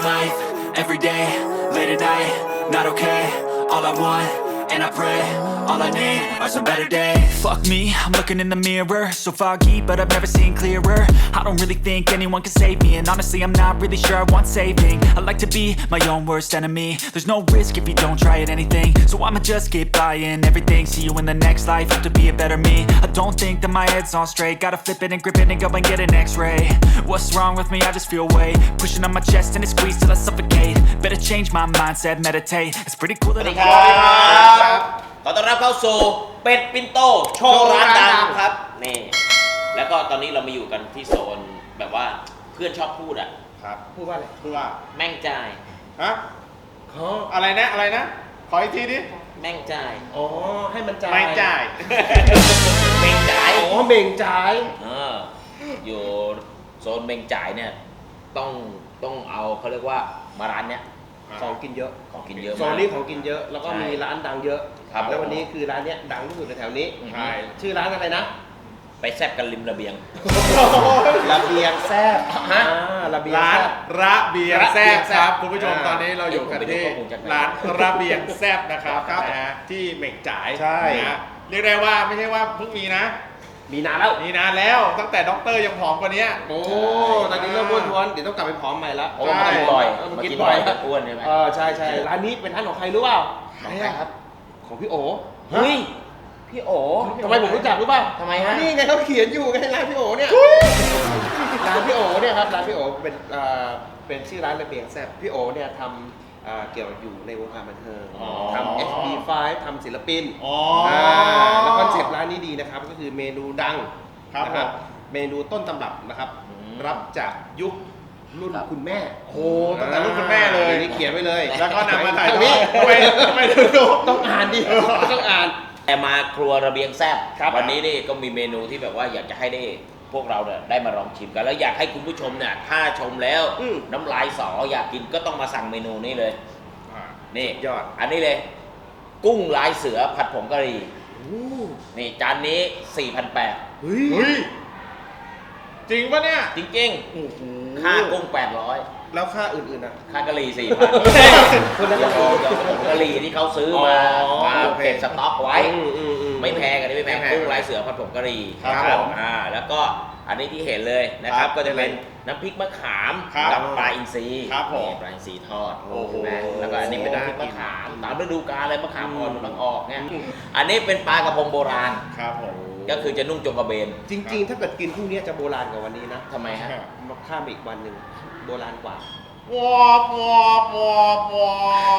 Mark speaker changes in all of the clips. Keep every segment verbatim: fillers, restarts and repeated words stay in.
Speaker 1: life, every day, late at night, not okay. All I want, and I pray, all I need are some better days. Fuck me, I'm looking in the mirror, so foggy, but I've never seen clearer. I don't really think anyone can save me, and honestly I'm not really sure I want saving. I like to be my own worst enemy. There's no risk if you don't try at anything, so I'ma just keep buying everything. See you in the next life, have to be a better me. I don't think that my head's on straight, gotta flip it and grip it and go and get an x-ray. What's wrong with me? I just feel weight pushing on my chest and it squeezes till I suffocate. Better change my mindset, meditate. It's pretty cool that
Speaker 2: สวัสดี
Speaker 1: I'm
Speaker 2: ครับขอต้อนรับเข้าสู่เป็ดปินโตโชว์ร้านดังครับนี่แล้วก็ตอนนี้เรามาอยู่กันที่โซนแบบว่าเพื่อนชอบพูดอ่ะ
Speaker 3: ครับ
Speaker 4: พูดว่าอะไร
Speaker 3: พูดว่า
Speaker 2: แม่งจ่าย
Speaker 3: ฮะ
Speaker 4: เขา
Speaker 3: อะไรนะอะไรนะขออีกทีดิ
Speaker 2: แม่งจ่าย
Speaker 4: อ๋อให้มันจ่าย
Speaker 3: ไม่จ่าย
Speaker 2: แม่งจ่าย
Speaker 4: อ๋อเบ่งจ่าย
Speaker 2: เอออยู่โซนแม่งจ่ายเนี่ยต้องต้องเอาเขาเรียกว่ามาร้านเนี้ย
Speaker 4: ของกินเยอะ
Speaker 2: ของกินเยอะ
Speaker 4: โซ
Speaker 2: มาก
Speaker 4: นนี้ของกินเยอะแล้วก็
Speaker 2: ใช่
Speaker 4: มีร้านดังเยอะ
Speaker 2: ครับ
Speaker 4: แล้ววันนี้คือร้านเนี้ยดังที่สุดในแถวนี้
Speaker 3: ใช่
Speaker 4: ชื่อร้านอะไรนะ
Speaker 2: ไปแซบกันริมระเบียง
Speaker 4: ระเบียงแซ่บฮะระเบียง
Speaker 3: ร้าน
Speaker 4: แซ่บ
Speaker 3: ระเบียงแซ่บครับคุณผู้ชม
Speaker 4: อ่า
Speaker 3: ตอนนี้เราอยู่กันที่
Speaker 2: ผมไปดูข้อมูลจากไหน
Speaker 3: ร้านระเบียงแซ่บนะครับ
Speaker 4: ครับ
Speaker 3: นะฮะที่เหม่งจ่าย
Speaker 4: ใช่
Speaker 3: นะฮะเรียกได้ว่าไม่ใช่ว่าเพิ่งมีนะ
Speaker 4: มีนานแล้ว
Speaker 3: มีนานแล้วตั้งแต่ด็อกเตอร์ยังผอมกว่านี้
Speaker 4: โอ้ตอนนี้เริ่มอ้วนท้วนเดี๋ยวต้องกลับไปผอมใหม่ละ
Speaker 2: โอ้มากินบ่อย
Speaker 4: เออ
Speaker 2: มา
Speaker 4: มา
Speaker 2: กิ
Speaker 4: กิ
Speaker 2: น
Speaker 4: น
Speaker 2: บ่
Speaker 4: บ่
Speaker 2: อ
Speaker 4: อย ย
Speaker 2: จะอ้วนใช่ไหม
Speaker 4: เออใช่ใช่ร้านนี้เป็นร้านของใครรู้เปล่า
Speaker 2: ใครอะครับ
Speaker 4: ของพี่โอ
Speaker 2: เฮ้ยพี่โอ
Speaker 4: ทำไมผมรู้จักรู้เปล่า
Speaker 2: ทำไมฮะ
Speaker 4: นี่ไงเขาเขียนอยู่ไงร้านพี่โอเนี่ยร้านพี่โอเนี่ยครับร้านพี่โอเป็นเอ่อเป็นชื่อร้านระเบียงแซ่บพี่โอเนี่ยทำเอ่อเกี่ยวอยู่ในวงการบันเทิง
Speaker 3: อ๋อ
Speaker 4: ทำ เอช บี ไฟว์ ทำศิลปิน
Speaker 3: อ๋อ
Speaker 4: อ่าแล้วคอนเซ็ปต์ร้านนี้ดีนะครับก็คือเมนูดัง
Speaker 3: ครับ
Speaker 4: นะ
Speaker 3: ผม
Speaker 4: เมนูต้นตำรับนะครับ
Speaker 2: อืม
Speaker 4: รับจากยุครุ่น
Speaker 2: ครับ
Speaker 4: คุณแม่
Speaker 3: โอ้โหตั้งแต่รุ่นคุณแม่เลย
Speaker 4: นี่เขียนไว้เลย
Speaker 3: แล้วก็นำมาถ่าย
Speaker 4: ทาง
Speaker 3: ทอ
Speaker 4: นี้
Speaker 3: ดทำไมทำไมถึงดู
Speaker 4: ต้องอ่านดิต้องอ่าน
Speaker 2: แต่มาครัวระเบียงแซ่บ
Speaker 4: ครับ
Speaker 2: วันนี้นี่ก็มีเมนูที่แบบว่าอยากจะให้ได้พวกเราเนี่ยได้มาลองชิมกัน แล้วอยากให้คุณผู้ชมเนี่ยถ้าชมแล้ว
Speaker 4: อืม
Speaker 2: น้ำลายสออยากกินก็ต้องมาสั่งเมนูนี้เลย
Speaker 3: อ่า
Speaker 2: นี่
Speaker 4: ยอด
Speaker 2: อันนี้เลย กุ้งลายเสือผัดผงกะหรี่
Speaker 4: โอ้
Speaker 2: นี่จานนี้ สี่พันแปด
Speaker 4: เฮ้ย
Speaker 3: เฮ้ยจริงปะเนี่ย
Speaker 2: จริง
Speaker 4: โอ้โห
Speaker 2: ๆ ค่ากุ้ง แปดร้อย
Speaker 4: แล้วค่าอื่นๆอ่ะ
Speaker 2: ค่ากะหรี่ สี่พัน
Speaker 4: คนละ
Speaker 2: เดี๋
Speaker 4: กะ
Speaker 2: ยว
Speaker 4: หรี่
Speaker 2: เดี๋ยวผงกะหรี่ที่เขาซื้อมา
Speaker 4: อ๋อ
Speaker 2: มา
Speaker 4: โอเค
Speaker 2: เก็บสต็อกไว้
Speaker 4: อืมอืมอืม
Speaker 2: ไม่แพงอันนี้ไม่แพง
Speaker 3: ไม่แพง
Speaker 2: กุ้งลายเสือผัดผงกะหรี่
Speaker 3: ครับผม
Speaker 2: อ่าแล้วก็อันนี้ที่เห็นเลยนะครับ
Speaker 3: ครับ
Speaker 2: ก็จะเป็นน้ำพริกมะขาม
Speaker 3: ครับ
Speaker 2: กับปลาอินทรี
Speaker 3: ครับผม
Speaker 2: นี่ปลาอินทรีทอด
Speaker 3: โอ้โห
Speaker 2: นะแล้วก็อันนี้เป็นน้ำพริกมะขามตามฤดูกาลเลยมะขามอ่อนกำลังออกเนี่ยอันนี้เป็นปลากระพงโบราณ
Speaker 3: ครับผม
Speaker 2: ก็คือจะนุ่งจงกระเบน
Speaker 4: จริงๆ ถ้าเกิดกินพรุ่งนี้จะโบราณกว่าวันนี้นะ
Speaker 2: ทำไมฮะ
Speaker 4: มาข้ามไปอีกวันหนึ่งโบราณกว่า
Speaker 3: วอบวอบวอบวอบ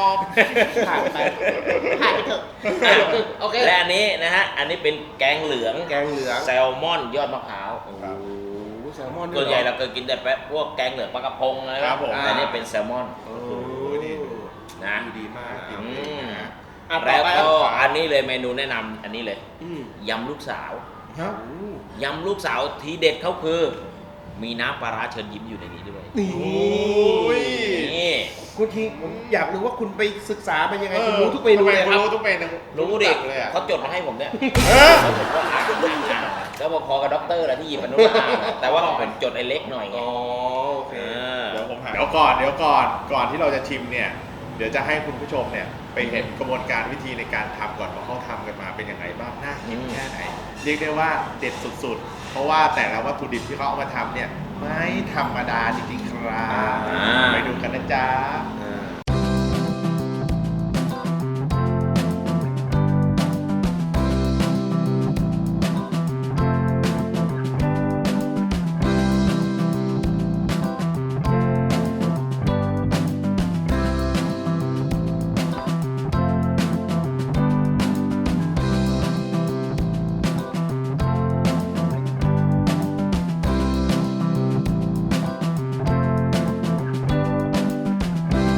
Speaker 4: ผ่านไปผ่านไปเถอะ
Speaker 2: โอเคและอันนี้นะฮะอันนี้เป็นแกงเหลือง
Speaker 4: แกงเหลือง
Speaker 2: แซลมอนยอดมะพร้าว
Speaker 4: โอ้โหแซลมอน
Speaker 2: ส่วนใหญ่
Speaker 4: ด้
Speaker 2: เรา
Speaker 4: ย
Speaker 2: เคยกินแต่แป๊ะพวกแกงเหลืองปลากระพงอะไร
Speaker 3: ครับผม
Speaker 2: แต่นี่เป็นแซลมอน
Speaker 4: โอ้
Speaker 3: โอ้ยนี่ดู
Speaker 2: นะ
Speaker 4: ดูดีมาก
Speaker 2: อืม
Speaker 4: อ่ะต่
Speaker 2: แล้
Speaker 4: อ
Speaker 2: ว
Speaker 4: ไป
Speaker 2: ก็
Speaker 4: ครับ
Speaker 2: อันนี้เลยเมนูแนะนำอันนี้เลย
Speaker 4: อืม
Speaker 2: ยำลูกสาว
Speaker 3: ฮะ
Speaker 4: โอ้
Speaker 2: ยำลูกสาวทีเด็ดเขาคือ มีน้ำปลาร้าเชิญยิ้มอยู่ในนี้ด้วย
Speaker 4: นี่
Speaker 3: โอ้ย
Speaker 2: นี่
Speaker 4: คุณทีผมอยากรู้ว่าคุณไปศึกษาเป็นยังไง
Speaker 3: เออ
Speaker 4: คุณรู้ทุกเมนูเลย
Speaker 3: ทำไม
Speaker 4: ครับ
Speaker 3: รู้ทุกเมนู
Speaker 2: รู้ดิ
Speaker 3: จักเลยอ่ะ
Speaker 2: เขาจดมาให้ผมเนี่ย
Speaker 3: เออ
Speaker 2: แล้วผมก็อ่านอ่านอ่านแล้วพอๆกับด็อกเตอร์แหละที่หยิบมานุมาอ่านอะแต่ว่าผมจดไอ้เล็กหน่อยไง
Speaker 4: อ๋อโอเค
Speaker 2: เออ
Speaker 3: เดี๋ยวผมหาเดี๋ยวก่อนเดี๋ยวก่อนก่อนที่เราจะชิมเนี่ยเดี๋ยวจะให้คุณผู้ชมเนี่ยไปเห็นกระบวนการวิธีในการทำก่อนว่าเขาทำกันมาเป็นยังไงบ้างน่ากินแค่ไหนเรียกได้ว่าเด็ดสุดๆ เพราะว่าแต่ละวัตถุดิบที่เขาเอามาทำเนี่ยไม่ธรรมดาจริงๆครับ
Speaker 2: อ่า
Speaker 3: ไปดูกันนะจ๊ะ
Speaker 1: We'll be right back.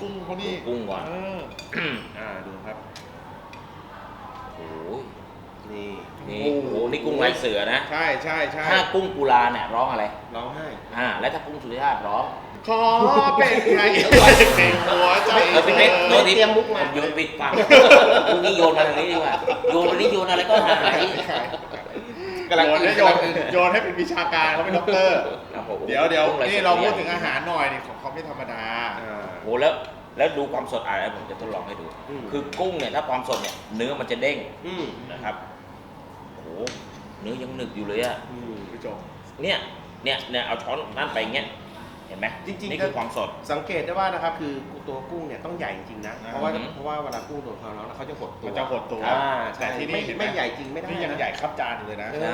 Speaker 3: กุ้งเขานี่
Speaker 2: กุ้งก่อน
Speaker 3: เออ
Speaker 4: อ่าดูครับ
Speaker 2: โอ้ย
Speaker 4: นี่
Speaker 2: นี่โอ้โหนี่กุ้งลายเสือนะ
Speaker 3: ใช่ใช่ใช่
Speaker 2: ถ้ากุ้งกุลาเนี่ยร้องอะไร
Speaker 4: ร้องไห้
Speaker 2: อ่า แล้วถ้ากุ้งสุริยาร้อง
Speaker 3: ขอเป็นไงเป็นหัวใจ
Speaker 2: เออเป็นเล็ก
Speaker 3: ธ
Speaker 2: ตัว
Speaker 3: อ
Speaker 2: นี้
Speaker 4: เตรียมมุกมา
Speaker 2: โยนปิดปากกุ้งนี่โยนมาทางนี้ดีกว่า โยนวันนี้โยนอะไรก็หาย
Speaker 4: กำลัง
Speaker 3: โยน
Speaker 4: กิน
Speaker 3: ให้โย
Speaker 4: กำลั
Speaker 3: น
Speaker 4: งกิน
Speaker 3: โยนให้เป็นวิชาการเขาเป็นด็อกเตอร์
Speaker 2: โอ้โห
Speaker 3: เดี๋ยวเดี๋ยว
Speaker 2: กุ้ล
Speaker 3: นี่
Speaker 2: สือ
Speaker 3: เราพูดถึงอาหารหน่อยนี่ของเขาไม่ธรรมดา
Speaker 4: อ่า
Speaker 2: โอ้โหแล้วแล้วดูความสดอะไรผมจะทดลองให้ดู
Speaker 4: อืม
Speaker 2: คือกุ้งเนี่ยถ้าความสดเนี่ยเนื้อมันจะเด้ง
Speaker 4: อืม
Speaker 2: นะครับโอ้โหเนื้อยังหนึบอยู่เลยอะ
Speaker 4: อืม
Speaker 3: ผู้ชม
Speaker 2: เนี่ยเนี่ยเนี่ยเอาช้อนนั่นไปอย่างเงี้ยเห็นไหม
Speaker 4: จริงๆ
Speaker 2: นี่คือความสด
Speaker 4: สังเกตได้ว่านะครับคือตัวกุ้งเนี่ยต้องใหญ่จริงๆนะ
Speaker 3: อ่า
Speaker 4: เพราะว่าเพราะว่าเวลากุ้งโดนความร้อนแล้วเขาจะหดตัว
Speaker 3: มันจะหดตัว
Speaker 4: อ่า
Speaker 3: แต่
Speaker 4: ใช่
Speaker 3: ที่
Speaker 4: ไม่
Speaker 3: นี่เห็นไหม
Speaker 4: ไม่ใหญ่จริงไม่ได้
Speaker 3: นี่ยัง
Speaker 4: นะ
Speaker 3: ใหญ่ครับจานอยู่เลยนะ
Speaker 4: เออ
Speaker 2: ใช่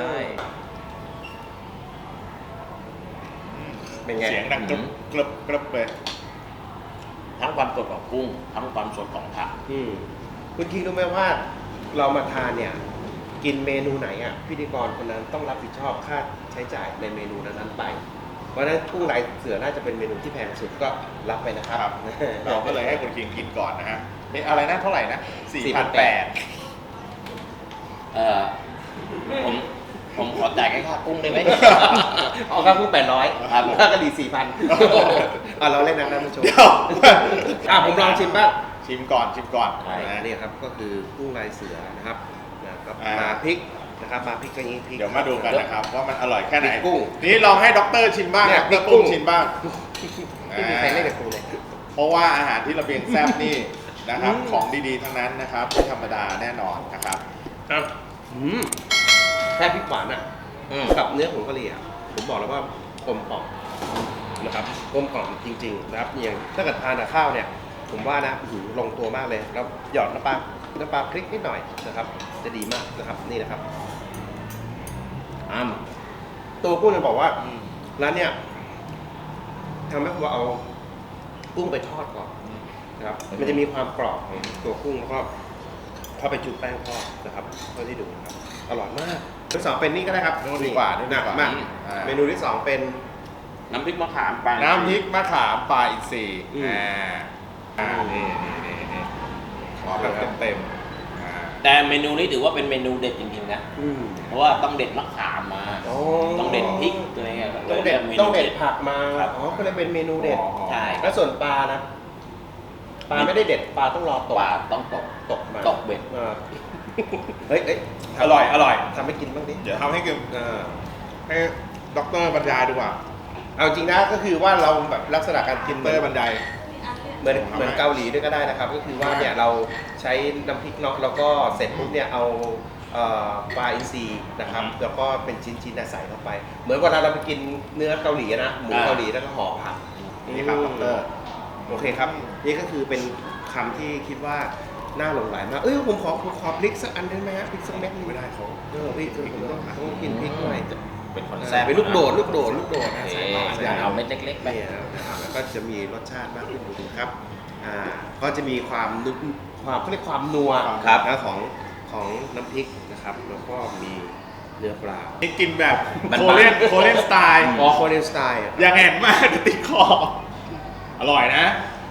Speaker 4: เป็นไง
Speaker 3: เสียงดังกรึบกรึบกรึบเลย
Speaker 2: ทั้งความสดของกุ้งทั้งความสดของผัก
Speaker 4: อืมคุณคิงรู้ไหมว่าเรามาทานเนี่ย กินเมนูไหนอ่ะพิธีกรคนนั้นต้องรับผิดชอบค่าใช้จ่ายในเมนูนั้นๆไป เพราะฉะนั้นกุ้งลายเสือน่าจะเป็นเมนูที่แพงสุดก็รับไปนะครับ
Speaker 3: ครับ เราก็เลยให้คุณคิงกินก่อนนะฮะเอ๊ะอะไรนะเท่าไหร่นะสี่พันแปด
Speaker 2: เอ่อผมผมขอจ่ายแค่ค่ากุ้งได้ไหม
Speaker 4: เอาครับกุ้งแปดร้อย
Speaker 2: ครับ
Speaker 4: ค่ากะหรี่สี่พันอ่ะเราเล่นนะท่านผู้ชม
Speaker 3: เดี๋ยว
Speaker 4: อ่ะผมลองชิมบ้าง
Speaker 3: ชิมก่อนชิมก่อน
Speaker 2: ใช่
Speaker 3: นะ
Speaker 4: นี่ครับก็คือกุ้งลายเสือนะครับนะครับ
Speaker 3: อ่าม
Speaker 4: มาพริกนะครับมาพริกก็ยิงพริก
Speaker 3: เดี๋ยวมาดูกันนะครับว่ามันอร่อยแค่ไหน
Speaker 4: พริกกุ้ง
Speaker 3: นี่ลองให้ด็อกเตอร์ชิมบ้าง
Speaker 4: เนี่ย
Speaker 3: ด็อกเตอร์
Speaker 4: พริกกุ้
Speaker 3: ปุ้
Speaker 4: ง
Speaker 3: งชิมบ้าง
Speaker 4: ไม่มีใครเล่นกับกูเลย
Speaker 3: เพราะว่าอาหารที่ระเบียงแซ่บนี่นะครับ
Speaker 4: อืม
Speaker 3: ของดีๆทั้งนั้นนะครับไม่ธรรมดาแน่นอนนะครับ
Speaker 4: อืมแค่พริกหวานอ่ะ
Speaker 2: อืม
Speaker 4: กับเนื้อผงกะหรี่อ่ะผมบอกแล้วว่ากลมกล่อมนะครับกลมกล่อมจริงๆนะครับอย่างถ้าเกิดทานกับข้าวเนี่ย ผมว่านะอื้อหือลงตัวมากเลยแล้วหยอดน้ำปลาน้ำปลาพริกนิดหน่อยนะครับ จะดีมากนะครับนี่นะครับอ้ามตัวกุ้งเนี่ยบอกว่าร้านเนี่ยทำให้ผมเอากุ้งไปทอดก่อนนะครับ มันจะมีความกรอบของตัวกุ้งแล้วก็เข้าไปจุ่มแป้งทอดนะครับเท่าที่ดูนะครับอร่อยมากที่สองเป็นนี่ก็ได้ครับ
Speaker 3: นู่นดีกว่านู่นดี
Speaker 4: หนัก
Speaker 3: กว่า
Speaker 4: มาก
Speaker 3: อ่า
Speaker 4: เมนูที่สองเป็น
Speaker 2: น้ำพริกมะขามปลา
Speaker 3: น้ำพริกมะขามปลาอินทรี
Speaker 4: อืม
Speaker 3: อ่าอ่านี่นี่นี่นี่ขอแบบเต็มๆอ่า
Speaker 2: แต่เมนูนี้ถือว่าเป็นเมนูเด็ดจริงๆนะ
Speaker 4: อืม
Speaker 2: เพราะว่าต้องเด็ดมะขามมา
Speaker 4: โอ้
Speaker 2: ต้องเด็ดพริกอะไรเงี้ย
Speaker 4: ต้องเด็ด
Speaker 2: มนู
Speaker 4: ต้องเด็ดผักมา
Speaker 2: ครับ
Speaker 4: อ๋อก็เลยเป็นเมนูเด็ด
Speaker 2: ใช่
Speaker 4: แล้วส่วนปลานะปลาไม่ได้เด็ดปลาต้องรอตก
Speaker 2: ปลาต้องตก
Speaker 4: ตกมา
Speaker 2: ตกเบ็ด
Speaker 4: อ่าเฮ้ยเฮ้ย
Speaker 3: อร่อยอร่อย
Speaker 4: ทำให้กินบ้างดิ
Speaker 3: เดี๋ยวทำให้กิน
Speaker 4: อ่า
Speaker 3: ให้ด็อกเตอร์บรรยายดีกว่า
Speaker 4: เอาจริงนะก็คือว่าเราแบบลักษณะการกิน
Speaker 3: ด็อกเตอร์บรรยาย
Speaker 4: เหมือนเหมือนเกาหลีด้วยก็ได้นะครับ ก็คือว่าเนี่ยเราใช้น้ำพริกเนาะแล้วก็เสร็จปุ๊บเนี่ยเอาเอ่อปลาอินทรีนะครับ
Speaker 3: อืม
Speaker 4: แล้วก็เป็นชิ้นๆน่ะใส่เข้าไป เหมือนเวลาเราไปกินเนื้อเกาหลีอะนะหมูเกาหลีแล้วก็ห่อผัก
Speaker 3: นี่ครับด็อกเตอร์
Speaker 4: โอเคครับ นี่ก็คือเป็นคำที่คิดว่าน่าหลงไหลมาก เอ้ยผมขอผมขอพริกสักอันได้ไหมฮะพริกสักเม็ดหนึง
Speaker 3: ไม่ได้เขา
Speaker 4: เออพี่คือผมต้องต้องกินพริกหน่อย
Speaker 2: เป็นคน
Speaker 4: เออ
Speaker 2: แซ่บ
Speaker 4: เป็นลูกโดดลูกโดดลูกโดด
Speaker 2: โอ
Speaker 4: นะ
Speaker 2: เค
Speaker 4: ใส่เข้าไป
Speaker 2: เอาเม็ดเล็กๆไป
Speaker 4: เนี่ยนะครับแล้วก็จะมีรสชาติมากขึ้นดูครับอ่าก็จะมีความนุ่มความเขาเรียกความนัว
Speaker 2: ครับ
Speaker 4: นะของของน้ำพริกนะครับ แล้วก็มีเนื้อปลา
Speaker 3: นี่กินแบบ
Speaker 2: มัน
Speaker 3: โคเรียนโคเรียนสไตล์
Speaker 4: อ๋อโคเรียนสไตล์อะ
Speaker 3: อย่างแห่งมากจะติดคอ อร่อยนะ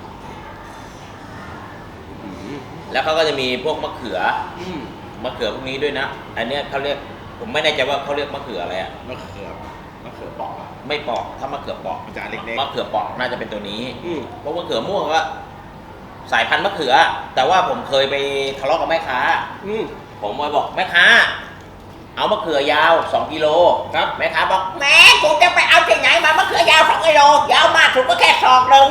Speaker 4: อืม
Speaker 2: แล้วเขาก็จะมีพวกมะเขือ
Speaker 4: อืม
Speaker 2: มะเขือพวกนี้ด้วยนะ อันเนี้ยเขาเรียกผมไม่แน่ใจว่าเขาเรียกมะเขืออะไรอะ
Speaker 3: มะเขือมะเขือเปอกอะ
Speaker 2: ไม่ปอกถ้ามะเขือปอก
Speaker 3: มันจะอันเล็กๆ
Speaker 2: มะเขือปอกน่าจะเป็นตัวนี้
Speaker 4: อืม
Speaker 2: เพราะมะเขือม่วงก็สายพันธุ์มะเขือ แต่ว่าผมเคยไปทะเลาะกับแม่ค้า
Speaker 4: อืม
Speaker 2: ผมไปบอกแม่ค้า เอามะเขือยาวสองกิโล
Speaker 4: ครับ
Speaker 2: แม่ค้าบอกแม่กูจะไปเอาที่ไหนมามะเขือยาวสองกิโลยาวมากสุดก็แค่ศอกหนึ่ง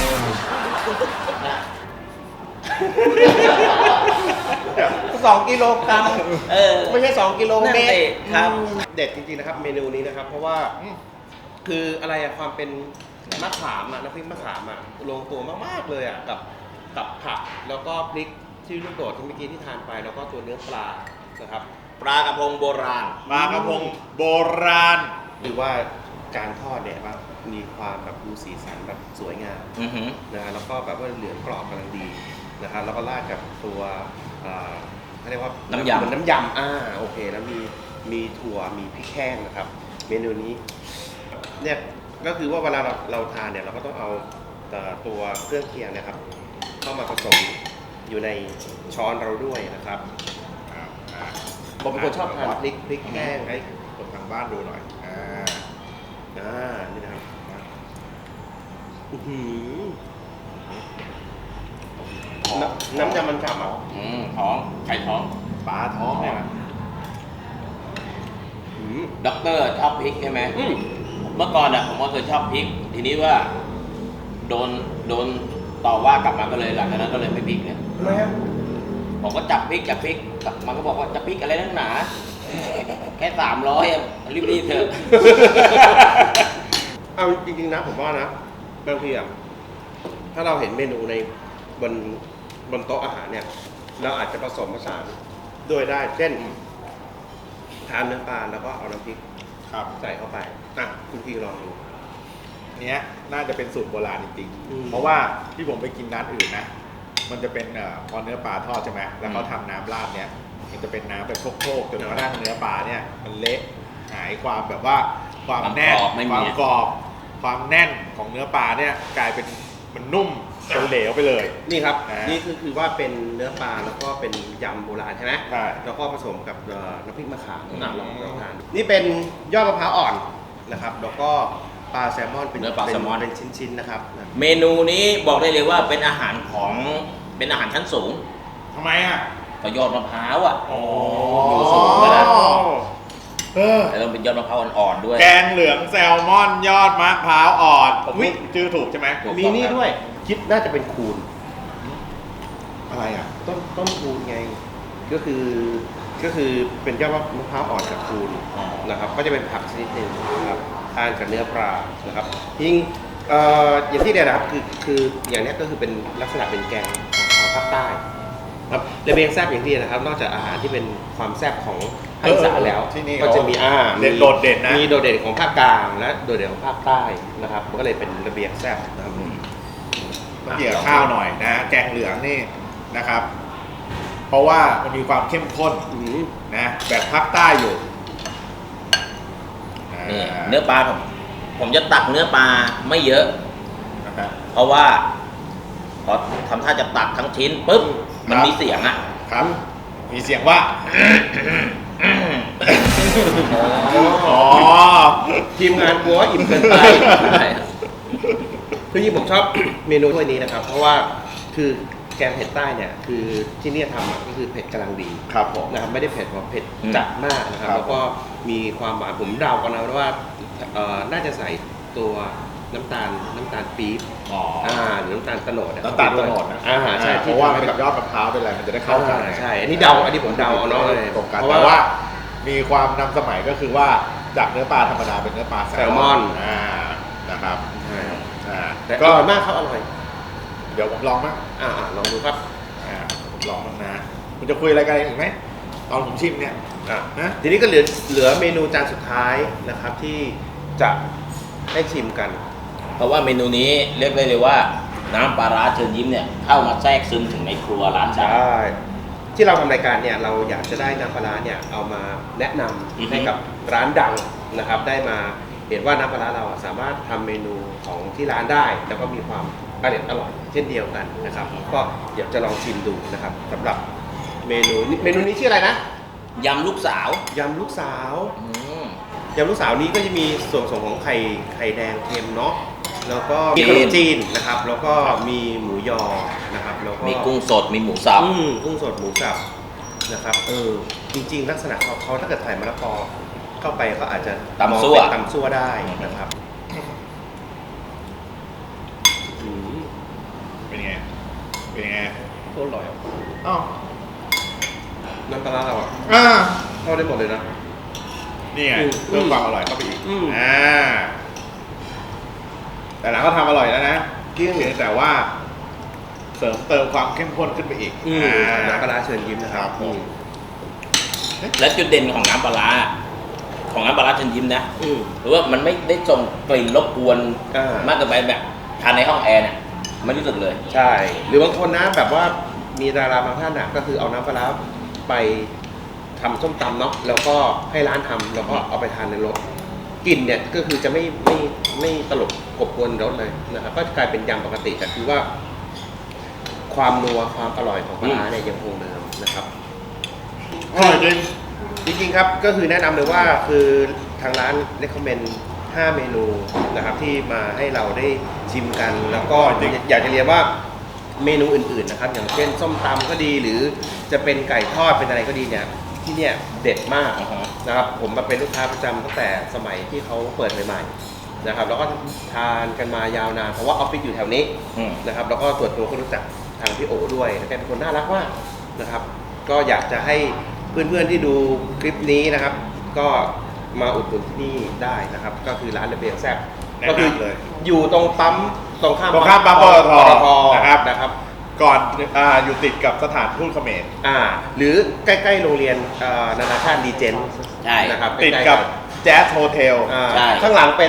Speaker 4: สองกิโลกรัม
Speaker 2: เออ
Speaker 4: ไม่ใช่สองกิโลเมตร
Speaker 2: นั่นสิครับ
Speaker 4: อืมเด็ดจริงๆนะครับเมนูนี้นะครับ เพราะว่า
Speaker 3: อืม
Speaker 4: คืออะไรอะความเป็นมะขามอะน้ำพริกมะขามอะลงตัวมากๆเลยอะกับกับผักแล้วก็พริกที่ลูกโดดที่เมื่อกี้ที่ทานไป แล้วก็ตัวเนื้อปลานะครับ
Speaker 2: ปลากระพงโบราณ
Speaker 3: ปลากระพงโบราณ
Speaker 4: หรือว่าการทอดเนี่ยครับมีความแบบดูสีสันแบบสวยงาม
Speaker 2: อือหือ
Speaker 4: นะฮะแล้วก็แบบว่าเหลืองกรอบกำลังดีนะครับแล้วก็ราดกับตัวอ่าเขาเรียกว่า
Speaker 2: น้ำยำ
Speaker 4: เหมือนน้ำยำอ่าโอเคแล้วมีมีถั่วมีพริกแห้งนะครับ เมนูนี้เนี่ยก็คือว่าเวลาเราเราทานเนี่ยเราก็ต้องเอาเอ่อตัวเครื่องเคียงเนะครับ เข้ามาผสมอยู่ในช้อนเราด้วยนะครับ
Speaker 3: ครับอ่ะ
Speaker 4: ผมเป็นคนชอบทานพริกพริกแห้ง
Speaker 3: ให้คนทางบ้านดูหน่อยอ่า
Speaker 4: อ่านี่นะครับอื้อหือน้ำน้ำยำมันฉ่ำอ่ะ
Speaker 2: อืมท้องไข่ท้อง
Speaker 3: ปลาท้องเนี่ยนะ
Speaker 4: อืม
Speaker 2: ด็อกเตอร์ชอบพริกใช่ไหม
Speaker 4: อืม
Speaker 2: เมื่อก่อนอ่ะผมก็เคยชอบพริก ทีนี้ว่า โดนโดนต่อว่ากลับมาก็เลยหลังจากนั้นก็เลยไม่พริกเนี่ย
Speaker 4: ทำไมอ่ะ
Speaker 2: ผมก็จับพริกจับพริกมันก็บอกว่าจะพริกอะไรนักหนา แค่สามร้อยรีบๆเถอะ
Speaker 4: เอาจริงๆนะผมว่านะบางทีอ่ะถ้าเราเห็นเมนูในบนบนโต๊ะอาหารเนี่ยเราอาจจะผสมผสานด้วยได้ เช่นทานเนื้อปลาแล้วก็เอาน้ำพริก
Speaker 3: ครับ
Speaker 4: ใส่เข้าไปอ่ะคุณพี่ลองดู
Speaker 3: เนี้ยน่าจะเป็นสูตรโบราณจริง
Speaker 4: อืม
Speaker 3: ๆเพราะว่าที่ผมไปกินร้านอื่นนะ มันจะเป็นเอ่อพอเนื้อปลาทอดใช่ไหมแล้วเขาทำน้ำราดเนี้ยมันจะเป็นน้ำแบบโคกๆจนกระทั่งเนื้อปลาเนี่ยมันเละหายความแบบว่าความแน่น
Speaker 2: ความกรอบไม่มี
Speaker 3: ความกรอบความแน่นของเนื้อปลาเนี่ยกลายเป็นมันนุ่มเหลวๆไปเลย
Speaker 4: นี่ครับ
Speaker 3: อ่านี่
Speaker 4: นี่คือคือว่าเป็นเนื้อปลาแล้วก็เป็นยำโบราณใช่ไหม
Speaker 3: ใช่
Speaker 4: แล้วก็ผสมกับเอ่อน้ำพริกมะขาม
Speaker 3: อืม
Speaker 4: อ่ะลองลองทานดูนี่เป็นยอดมะพร้าวอ่อนนะครับ แล้วก็ปลาแซลมอนเป็น
Speaker 2: เนื้อปลาแซลมอน
Speaker 4: เป็นชิ้นๆนะครับ
Speaker 2: เมนูนี้บอกได้เลยว่าเป็นอาหารของเป็นอาหารชั้นสูง
Speaker 3: ทำไมอ่ะ
Speaker 2: ก็ยอดมะพร้าวอ่ะ
Speaker 3: อ๋อ
Speaker 2: อยู่สูงไปแล้ว
Speaker 3: เออ
Speaker 2: แล้วต้องเป็นยอดมะพร้าวอ่อนๆด้วย
Speaker 3: แกงเหลืองแซลมอนยอดมะพร้าวอ่อนผม
Speaker 4: อุ๊ย
Speaker 3: ชื่อถูกใช่ไหม
Speaker 2: ถูก
Speaker 4: มีนี่ด้วย คิดน่าจะเป็นคูน
Speaker 3: อะไรอ่ะ
Speaker 4: ต้นต้นคูนไง ก็คือก็คือเป็นยอดมะพร้าวอ่อนกับคูน
Speaker 2: อ๋อ
Speaker 4: นะครับ ก็จะเป็นผักชนิดหนึ่งนะครับทานกับเนื้อปลานะครับยิ่งเอ่ออย่างที่เดียวนะครับคือคืออย่างนี้ก็คือเป็นลักษณะเป็นแกงของภาคใต้ครับระเบียงแซ่บอย่างที่นะครับ นอกจากอาหารที่เป็นความแซ่บของภาคอีสานแล้ว
Speaker 3: ที่นี่
Speaker 4: ก็จะมีอาหาร
Speaker 3: เด่นโดดเด่นนะ
Speaker 4: มีโดดเด่นของภาคกลางและโดดเด่นของภาคใต้นะครับมันก็เลยเป็นระเบียงแซ่บนะครับ
Speaker 3: ต้องเกี่ยวกับข้าวหน่อยนะ แกงเหลืองนี่นะครับ เพราะว่ามันมีความเข้มข้น
Speaker 4: อืม
Speaker 3: นะแบบภาคใต้อยู่
Speaker 2: นี่
Speaker 3: า
Speaker 2: เนื้อปลาผมผมจะตักเนื้อปลาไม่เยอะ
Speaker 3: นะครับ
Speaker 2: เพราะว่าพอทำท่าจะตักทั้งชิ้นปุ๊บมัน
Speaker 3: ครับ
Speaker 2: มีเสียงอ่ะ
Speaker 3: ครับ มีเสียงว่า อ๋อ
Speaker 4: ทีมงานกลัวว่าอิ่มเกินไป
Speaker 2: ใช่
Speaker 4: คือจริงๆผมชอบ เมนูถ้วยนี้นะครับ เพราะว่าคือแกงเผ็ดใต้เนี่ยคือที่เนี่ยทำอ่ะก็คือเผ็ดกำลังดี
Speaker 3: ครับผม
Speaker 4: นะครับไม่ได้เผ็ดแบบเผ็ดจัดมากนะครับ
Speaker 3: ครับ
Speaker 4: แล้วก็มีความหวานผมเดากันนะว่าเอ่อน่าจะใส่ตัวน้ำตาลน้ำตาลปี๊บ
Speaker 3: อ๋อ
Speaker 4: อ่าหรือน้ำตาลโตโนดอะ
Speaker 3: น้ำตาลโตโนดนะ
Speaker 4: อ่าใช่
Speaker 3: เพ
Speaker 4: ที่
Speaker 3: ราะว่า
Speaker 4: ทำให้
Speaker 3: มัน
Speaker 4: แบ
Speaker 3: กับบ ยอดมะพร้าวเป็นอะไรมันจะได้เข้ากัน
Speaker 4: อ่าใช่ อันนี้เดาอันนี้ผมเดาเอาเนาะ
Speaker 3: ตรงกัน
Speaker 4: เพราะ
Speaker 3: แต่
Speaker 4: ว่า
Speaker 3: ว่ามีความนำสมัยก็คือว่าจากเนื้อปลาธรรมดาเป็นเนื้อปลาแซ
Speaker 4: แซ
Speaker 3: ล
Speaker 4: ล
Speaker 3: ม
Speaker 4: ม
Speaker 3: อ
Speaker 4: อน น
Speaker 3: อ่านะครับ
Speaker 4: ใช่
Speaker 3: อ่า
Speaker 4: แต่อ
Speaker 3: ก็
Speaker 4: ร่อยมากครับอร่อย
Speaker 3: เดี๋ยวผมลองมั้ง
Speaker 4: อ่าอ่าลองดูครับ
Speaker 3: อ่าผมลองบ้างนะคุณจะคุยอะไรกันอีกไหมตอนผมชิมเนี่ย
Speaker 4: อ่ะ
Speaker 3: นะ
Speaker 4: ทีนี้ก็เหลือเหลือเมนูจานสุดท้ายนะครับที่จะได้ชิมกัน
Speaker 2: เพราะว่าเมนูนี้เรียกได้เลยว่าน้ำปลาร้าเชิญยิ้มเนี่ยเข้ามาแทรกซึมถึงในครัวร้าน
Speaker 4: ใช
Speaker 2: ชา
Speaker 4: ่ ที่เราทำรายการเนี่ยเราอยากจะได้น้ำปลาร้าเนี่ยเอามาแนะนำ
Speaker 2: อือฮึ
Speaker 4: ให้กับร้านดังนะครับ ได้มาเห็นว่าน้ำปลาร้าเราอ่ะสามารถทำเมนูของที่ร้านได้ แล้วก็มีความอร่อยอร่อยเช่นเดียวกันนะครับ ก็อยากจะลองชิมดูนะครับสำหรับเมนูนี้เมนูนี้ชื่ออะไรนะ
Speaker 2: ยำลูกสาวย
Speaker 4: ำลูกสาว
Speaker 2: อืม
Speaker 4: ยำลูกสาวนี้ก็จะมีส่วนผสมของไข่ไข่แดงเค็มเนาะแล้วก็มีขนมจีนนะครับ แล้วก็มีหมูยอนะครับแล้วก็
Speaker 2: มีกุ้งสดมีหมูสับ
Speaker 4: อืมกุ้งสดหมูสับนะครับเออจริงๆ ลักษณะเขาเขาถ้าเกิดใส่มะละกอเข้าไปก็อาจจะ
Speaker 2: ตำซั่ว
Speaker 4: มองเป็นตำซั่วได้นะครับอืม
Speaker 3: เป็นไงเป็นไง
Speaker 4: โคตรอร่อยอ่ะ
Speaker 3: อ้าว
Speaker 4: น้ำปลาร้าเราอ่ะ
Speaker 3: อ่า
Speaker 4: เข้าได้หมดเลยนะ
Speaker 3: นี่ไง
Speaker 4: อืม
Speaker 3: เพิ่มความอร่อยเข้าไปอีก
Speaker 4: อืม
Speaker 3: อ่าแต่หลังก็ทำอร่อยแล้วนะ
Speaker 4: จริง
Speaker 3: เพียงแต่ว่า เสริมเติมความเข้มข้นขึ้นไปอีก
Speaker 4: อืม
Speaker 3: อ่า
Speaker 4: น้ำปลาร้าเชิญยิ้มนะครับ
Speaker 3: ครับผม
Speaker 4: อืม
Speaker 2: และจุดเด่นของน้ำปลาร้าของน้ำปลาร้าเชิญยิ้มนะ
Speaker 4: อืม
Speaker 2: หรือว่ามันไม่ได้ส่งกลิ่นรบกวน
Speaker 4: อ่าม
Speaker 2: มากเกินไปแบบทานในห้องแอร์เนี่ยไม่รู้สึกเลย
Speaker 4: ใช่ หรือบางคนนะแบบว่ามีดาราบางท่านน่ะก็คือเอาน้ำปลาร้าไปทำส้มตำเนาะแล้วก็ให้ร้านทำแล้วก็เอาไปทานในรถกลิ่นเนี่ยก็คือจะไม่ไม่ไม่ตลบกบกวนรสเลยนะครับก็กลายเป็นยำปกติแต่คือว่า ความนัวความอร่อยของปลาร้าเนี่ยยังคงเดิมนะครับ
Speaker 3: อร่อยจริง
Speaker 4: จริงๆครับก็คือแนะนำเลยว่าคือทางร้าน recommend ห้าเมนูนะครับที่มาให้เราได้ชิมกัน แล้วก็อยากจะเรียนว่าเมนูอื่นๆนะครับอย่างเช่นส้มตำก็ดีหรือจะเป็นไก่ทอดเป็นอะไรก็ดีเนี่ยที่เนี่ยเด็ดมากนะครับผมมาเป็นลูกค้าประจำตั้งแต่สมัยที่เขาเปิดใหม่ๆนะครับแล้วก็ทานกันมายาวนานเพราะว่าออฟฟิศอยู่แถวนี้นะครับแล้วก็ส่วนตัวก็รู้จักทางพี่โอด้วยแกเป็นคนน่ารักมากนะครับก็อยากจะให้เพื่อนๆที่ดูคลิปนี้นะครับก็มาอุดหนุนที่นี่ได้นะครับก็คือร้านระเบียงแซ่บก็คืออยู่ตรงปั๊มตรงข้าม
Speaker 3: ตรงข้ามปั๊มปตท
Speaker 4: ท
Speaker 3: นะครับ
Speaker 4: นะครับ
Speaker 3: ก่อนอ่าอยู่ติดกับสถานทูตเขมร
Speaker 4: อ่าหรือใกล้ๆโรงเรียนอ่านานาชาติดีเจน
Speaker 2: ใช่
Speaker 4: นะครับ
Speaker 3: ติด
Speaker 4: ใกล้ๆ
Speaker 3: กับแจ๊สโฮเทล
Speaker 4: อ่า
Speaker 2: ใช่
Speaker 4: ข้างหลังเป็น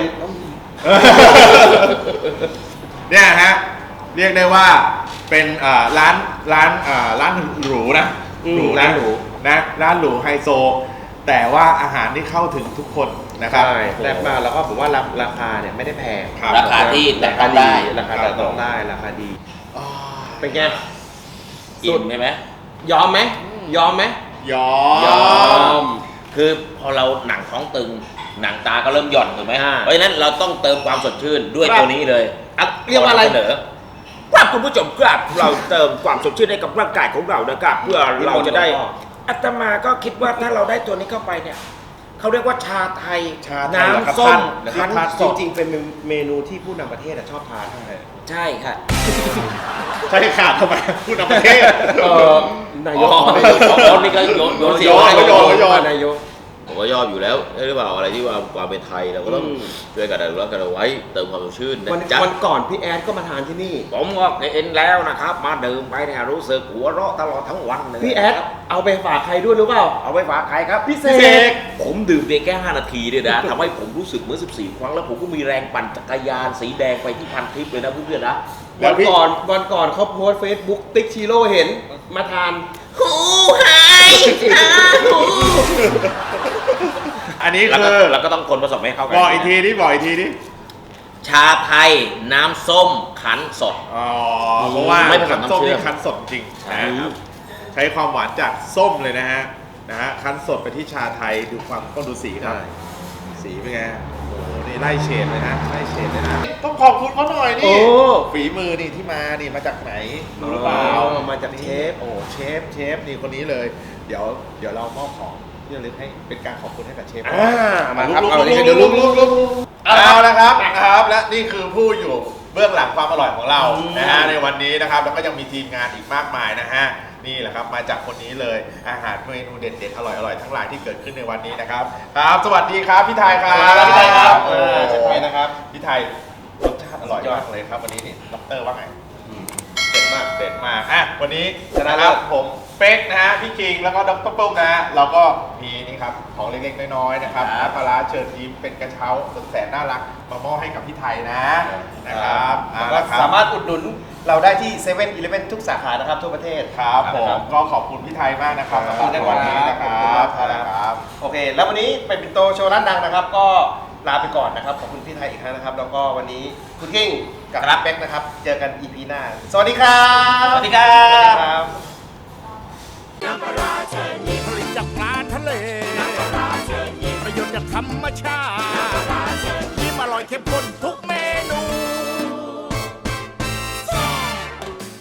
Speaker 3: เนี่ยฮะเรียกได้ว่าเป็นอ่าร้านร้านอ่าร้านหรูนะ
Speaker 4: อืม
Speaker 3: หรู
Speaker 4: ร้า
Speaker 3: นะ
Speaker 4: นหรู
Speaker 3: นะร้านหรูไฮโซ แต่ว่าอาหารที่เข้าถึงทุกคนนะครับ
Speaker 4: ใช่แซ่บมากแล้วก็ผมว่าราราคาเนี่ยไม่ได้แพง
Speaker 3: ครับ
Speaker 2: ราคาที่แตะ
Speaker 4: รา
Speaker 2: ต้
Speaker 4: คา
Speaker 2: อง
Speaker 4: ดี
Speaker 2: ได้
Speaker 4: ราคาแต่ต้องได้ราคาดี
Speaker 3: อ๋อ
Speaker 4: เป็นไง
Speaker 2: อิ่มใช่ไหม
Speaker 4: ยอมไหมยอมไหม
Speaker 3: ยอ
Speaker 2: ยอ
Speaker 3: ม
Speaker 2: ม คือพอเราหนังท้องตึง หนังตาก็เริ่มหย่อนถูกไหม
Speaker 4: อ่า
Speaker 2: เพราะฉะนั้นเราต้องเติมความสดชื่นด้วย
Speaker 4: ครับ
Speaker 2: ตัวนี้เลย
Speaker 4: อ่ะเรียกว่าอะไร
Speaker 2: ขนำเสนอ
Speaker 5: ครับคุณผู้ชมครับเราเติมความสดชื่นให้กับร่างกายของเรานะครับเพื่อเราจะได้อาตมาก็คิดว่าถ้าเราได้ตัวนี้เข้าไปเนี่ยเขาเรียกว่าชาไทย
Speaker 3: ชาไทยเหรอครับ
Speaker 5: น้ำส้ม
Speaker 3: ท่าน
Speaker 5: คั้นส
Speaker 4: จ
Speaker 5: ด
Speaker 4: ริงๆเป็นเมนูที่ผู้นำประเทศอะชอบทาน
Speaker 5: ใช่ค่ะ
Speaker 3: ใช่ขาดทำไมพูดนำประเทศ
Speaker 4: เออนายก
Speaker 2: อ๋อนี่ก็โยนโยนเสียง
Speaker 3: โยน
Speaker 2: ให้
Speaker 3: โยนโยน
Speaker 4: นายก
Speaker 2: ผมก็ยอมอยู่แล้วใช่หรือเปล่าอะไรที่ว่าความเป็นไทยเราก็ต้อง
Speaker 4: อืม
Speaker 2: ช่วยกันอนุรักษ์กันเอาไว้เติมความสดชื่นนะ
Speaker 4: วัน
Speaker 2: จ๊ะ
Speaker 4: วันก่อนพี่แอดก็มาทานที่นี่
Speaker 5: ผมก็เห็นแล้วนะครับ มาดื่มไปเนี่ยรู้สึกหัวเราะตลอดทั้งวันเลย
Speaker 4: พี่แอดเอาไปฝากใครด้วยหรือเปล่า
Speaker 5: เอาไปฝากใครครับ
Speaker 4: พี่เส
Speaker 3: พี่เส
Speaker 4: ก
Speaker 3: ก
Speaker 2: ผมดื่มเพียงแค่ห้านาทีเนี่ยนะทำให้ผมรู้สึกเหมื่อนสิบสี่ครั้งแล้วผมก็มีแรงปั่นจักรยานสีแดงไปที่พันทิปเลยนะเพื่อนๆนะ
Speaker 4: วันก่อนวันก่อนเขาโพสเฟซบุ๊กติ๊กชิโร่เห็นมาทาน
Speaker 2: ฮูไฮอาฮู
Speaker 3: อันนี้
Speaker 2: แล้ว
Speaker 3: คื
Speaker 2: ก็
Speaker 3: อ
Speaker 2: แล้วก็ต้องคนผสมให้เข้ากั
Speaker 3: บอกอีกทีนี่บอกอีกทีนี่
Speaker 2: ชาไทยน้ำส้มขันสด
Speaker 3: อ๋อเพราะว่า
Speaker 2: ไม่ผสม
Speaker 3: คั้นส้ม
Speaker 2: น้ำเชื่อม
Speaker 3: นี่คั้นสดจริง
Speaker 2: ใช่
Speaker 3: นะครับ ใช้ความหวานจากส้มเลยนะฮะนะฮะคั้นสดไปที่ชาไทยดูความต้องดูสีครับ สีเป็นไงโอ้โหนี่ไล่เฉดเลยนะไล่เฉดเลยนะต้องขอบคุณเขาหน่อย
Speaker 4: โอ้
Speaker 3: นี่ฝีมือนี่ที่มานี่มาจากไหนรู้หรือเปล่า
Speaker 4: อ๋อมาจากเชฟ
Speaker 3: โอ้เชฟเชฟนี่คนนี้เลย เดี๋ยวเดี๋ยวเรามอบของที่ระลึกให้เป็นการขอบคุณให้กับเชฟ
Speaker 4: อ่ามาครับ
Speaker 3: ลุก
Speaker 4: เอา
Speaker 3: ลุก
Speaker 4: เดี๋ยว
Speaker 3: ลุ
Speaker 4: ลุ
Speaker 3: ก
Speaker 4: ก
Speaker 3: ลุ
Speaker 4: ลุ
Speaker 3: ก
Speaker 4: ก
Speaker 3: ลุ
Speaker 4: ลุ
Speaker 3: ก
Speaker 4: ก
Speaker 3: เอาละครับนะครับ และนี่คือผู้อยู่เบื้องหลังความอร่อยของเรานะฮะในวันนี้นะครับแล้วก็ยังมีทีมงานอีกมากมายนะฮะนี่แหละครับมาจากคนนี้เลยอาหารเมนูเด็ดๆอร่อยๆทั้งหลายที่เกิดขึ้นในวันนี้นะครับครับสวัสดีครับพี่ไทยครับ
Speaker 4: สวัสดีครับพี่ไทยครับ
Speaker 3: เออ
Speaker 4: เชฟไทยนะครับ
Speaker 3: พี่ไทยรสชาติอร่อยมากเลยครับวันนี้นี่ด็อกเตอร์ว่าไง เด็ดมากเด็ดมากอ่ะวันนี้
Speaker 4: ชนะ
Speaker 3: นะ
Speaker 4: เลิ
Speaker 3: ครั
Speaker 4: ศ
Speaker 3: บผมเป๊กนะฮะพี่คิงแล้วก็ดรปุ้มนะฮะเราก็มีนี่ครับของเล็กๆน้อยๆนะครับน้ำปลาร้าเชิญยิ้มเป็นกระเช้าสุดแสนน่ารักมามอบให้กับพี่ไทยนะนะครับอ่า
Speaker 4: แล้วก็
Speaker 3: ละครับ
Speaker 4: สามารถอุดหนุนเราได้ที่เซเว่นอีเลฟเว่นทุกสาขานะครับทั่วประเทศ
Speaker 3: ครับผม
Speaker 4: นะ
Speaker 3: ก็ขอบคุณพี่ไทยมากนะครับ
Speaker 4: ขอบ
Speaker 3: สำห
Speaker 4: คุ
Speaker 3: รับ
Speaker 4: ณนะครับ
Speaker 3: วันนี้นะครับ
Speaker 4: ขอบคุณมากครับ
Speaker 3: นะครับ
Speaker 4: โอเค แล้ววันนี้เป็นปิ่นโตโชว์ร้านดังนะครับ ก็ลาไปก่อนนะครับ ขอบคุณพี่ไทยอีกครั้งนะครับ แล้วก็วันนี้คุณกิ้งกับรับเบ็กนะครับ เจอกัน อี พี หน้า สวัสดีครับ
Speaker 2: สวัสดีครับ
Speaker 4: สวัสดีครับ
Speaker 5: ผลิตจากปลาทะเลประโยชน์จากธรรมชาติยิ้มอร่อยเข้มข้นทุก